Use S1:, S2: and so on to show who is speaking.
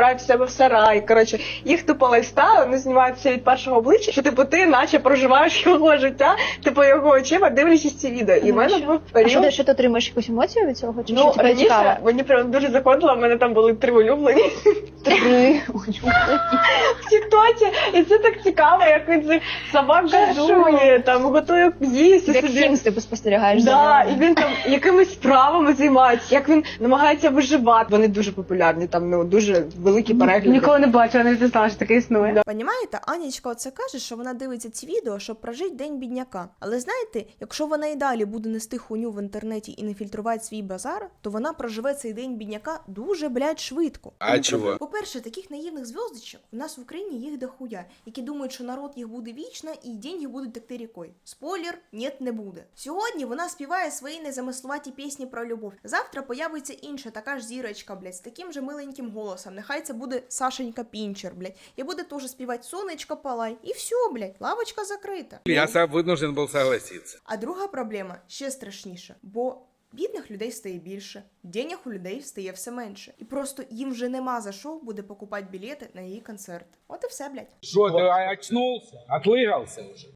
S1: забирають в себе в сарай. Коротше, їх тупо лайфстайл, вони знімаються від першого обличчя, що типу ти наче проживаєш його життя, типу його очима, дивлячись ці відео. І в мене був період...
S2: Що ти отримаєш якусь емоцію від цього? Чи
S1: Ну,
S2: що тебе
S1: раніше
S2: цікаво?
S1: мені прям дуже заходило, в мене там були 3 улюблені.
S2: 3
S1: В тіктоці, і це так цікаво, як він цих собак годує, там готує їсти
S2: Як
S1: собі.
S2: Хімс ти спостерігаєш за
S1: Да,
S2: ним.
S1: і він там якимись справами займається, як він намагається виживати. Вони дуже популярні, там ну дуже великі перегляди.
S3: Ніколи не бачила, не знала, що таке існує.
S4: Понімаєте, Анічка оце каже, що вона дивиться ці відео, щоб прожити день бідняка. Але знаєте, якщо вона і далі буде нести хуйню в інтернеті і не фільтрувати свій базар, то вона проживе цей день бідняка дуже, блядь, швидко.
S5: А чого?
S4: По-перше, таких наївних зв'язочок у нас в Україні їх дохуя, які думають, що народ їх буде вічно і деньги будуть текти рікою. Спойлер, нет, не буде. Сьогодні вона співає свої незамисловаті пісні про любов. Завтра появиться інша така ж зірочка, блядь, з таким же миленьким голосом. Нехай це буде Сашенька Пінчер, блядь. І буде теж співати «Сонечко палай». І все, блядь, лавочка закрита.
S5: Я сам вынужден был согласиться.
S4: А друга проблема ще страшніша, бо бідних людей стає більше, денег у людей стає все менше. І просто їм вже нема за що буде покупати білети на її концерт. От і все, блядь.
S5: Что, ты очнулся? Отлыгался уже?